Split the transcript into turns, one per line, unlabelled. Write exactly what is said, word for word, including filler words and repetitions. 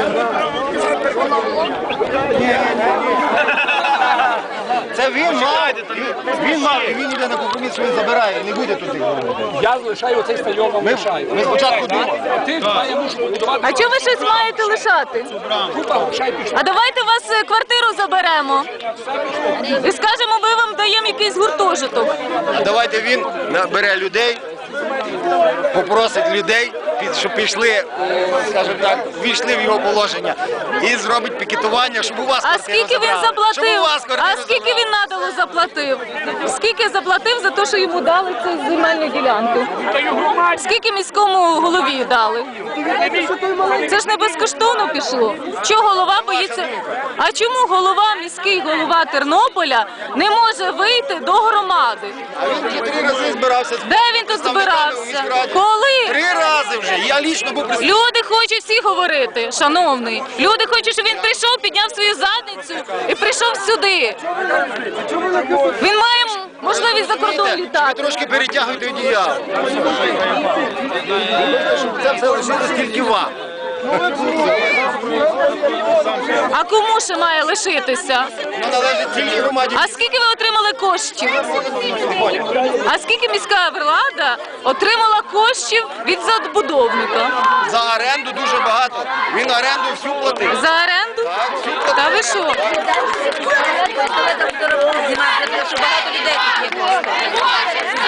Це він мав, він мав, і він йде на компроміс, він забирає, не буде туди.
Я залишаю цей стадіон, вам лишаю.
Ми спочатку думали.
Ти, я мушу побудувати.
А чого ви щось маєте лишати? А давайте вас е, квартиру заберемо. І скажемо, ми вам даємо якийсь гуртожиток.
Давайте він набере людей, попросить людей, щоб пішли, скажімо так, ввійшли в його положення і зробить пікетування, щоб у вас
А
квартиру
скільки він
забрали. Щоб у
заплатив?
вас квартиру
А скільки
забрали.
він надалу заплатив? Скільки заплатив за те, що йому дали цю земельну ділянку? Скільки міському голові дали? Це ж не безкоштовно пішло. Чого голова боїться? А чому голова, міський голова Тернополя не може вийти до громади?
А він вже три рази збирався. з
Де він тут
представниками у
збирався?
міськраді.
Коли?
Три рази вже. Я лічно був присутній.
Люди хочуть всі говорити, шановний. Люди хочуть, щоб він прийшов, підняв свою задницю і прийшов сюди. Він має можливість за кордон
Ви
літати.
трошки перетягуєте одіяло. Щоб це все лишилось тільки вам.
А кому ще має лишитися?
Воно належить тільки громаді.
А скільки ви отримали коштів? А скільки міська влада отримала коштів від забудовника?
За оренду дуже багато. Він оренду всю платив.
За оренду?
Так, всю платив.
Та ви що?
Що багато людей тут є просто.